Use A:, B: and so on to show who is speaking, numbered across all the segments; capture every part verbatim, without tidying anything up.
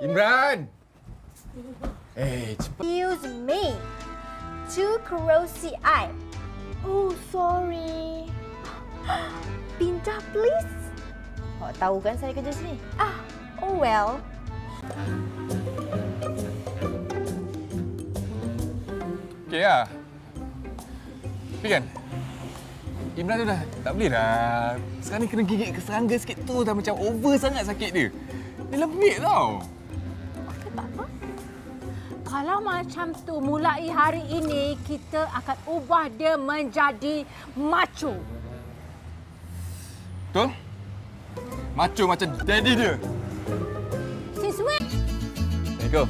A: Imran! Eh, cepat.
B: Excuse me. Too corrosive eye. Oh, sorry. Pindah, please. Awak tahu kan saya kerja sini? Ah, oh well.
A: Okey lah. Tapi kan, Imran tu dah tak boleh dah. Sekarang ni kena gigit ke serangga sikit tu dah macam over sangat sakit dia. Dia lembik tau.
C: Okey, tak apa. Kalau macam tu, mulai hari ini kita akan ubah dia menjadi macho.
A: Betul? Macho macam daddy dia.
C: Since when?
A: Assalamualaikum.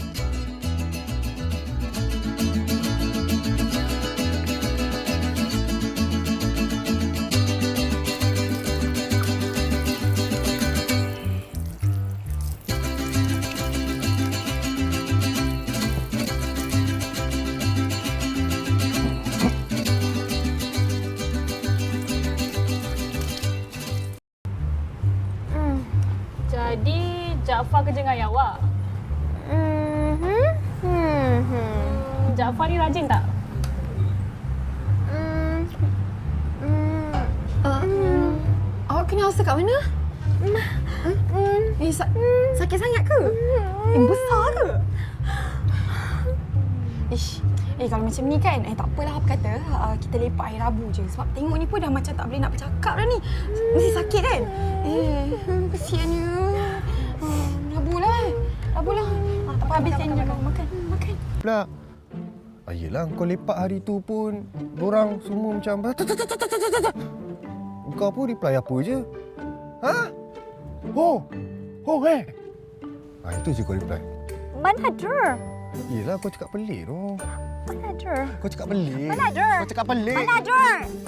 D: Jadi, Jaafar kerja dengan awak?
B: Mm-hmm. Hmm.
D: Hmm, Jaafar ni rajin tak?
B: Hmm. Hmm.
E: Uh, hmm. Awak kena ulcer kat mana?
B: Hmm.
E: Eh, sa- sakit sangat ke? Eh, besar ke? Ish. Eh, kalau macam ni kan, eh tak apalah apa kata, uh, kita lepak hari Rabu je. Sebab tengok ni pun dah macam tak boleh nak bercakap dah ni. Mesti sakit kan? Eh, kesiannya. Uh, Rabu lah eh. Rabu lah. Ah, tak apa, habisin je kau. Makan, makan.
F: Pula. Ah, yelah, kau lepak hari tu pun, borang semua macam... Kau pun reply apa je? Ha? Oh! Oh, eh! Ah, itu je kau reply.
B: Mana ada?
F: Yelah, kau cakap pelik tu.
B: Mana ada?
F: Kau cakap pelik.
B: Mana ada?
F: Kau cakap pelik.
B: Mana ada?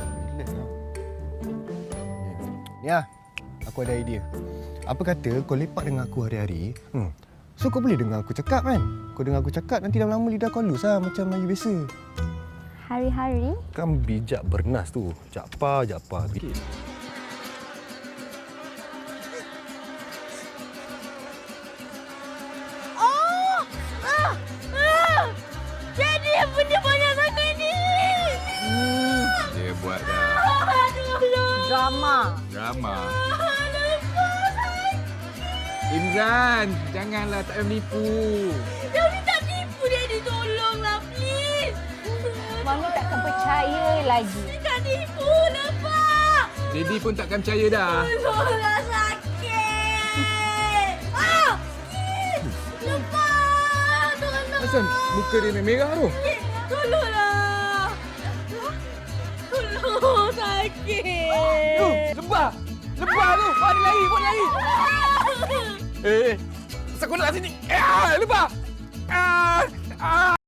F: Ni ah, aku ada idea. Apa kata kau lepak dengan aku hari-hari, hmm. So kau boleh dengar aku cakap kan? Kau dengar aku cakap, nanti lama-lama lidah kau halus lah macam Melayu biasa.
B: Hari-hari?
F: Kan bijak bernas tu. Jakpa, jakpa. Okay.
C: Oh! Ah! Ah! Jadi apa dia banyak sangat ni?
A: Hmm, dia buat dah.
C: Aduh, drama.
A: Drama. Imran, janganlah tak payah menipu.
C: Dia ni tak tipu, dia ditolonglah, please.
B: Mami takkan percaya lagi.
C: Dia tak tipu lah, Pak.
A: Daddy pun takkan percaya dah.
C: Tolonglah, sakit. Ah! Lepas! Tolong!
A: Asal muka dia merah tu?
C: Tolonglah! Tolong, sakit.
A: Tu, lebah. Lebah tu. Wah, dia lari, buat lari. Eh, eh. Asal kau nak kat sini? Eh, lebah. Ah, ah.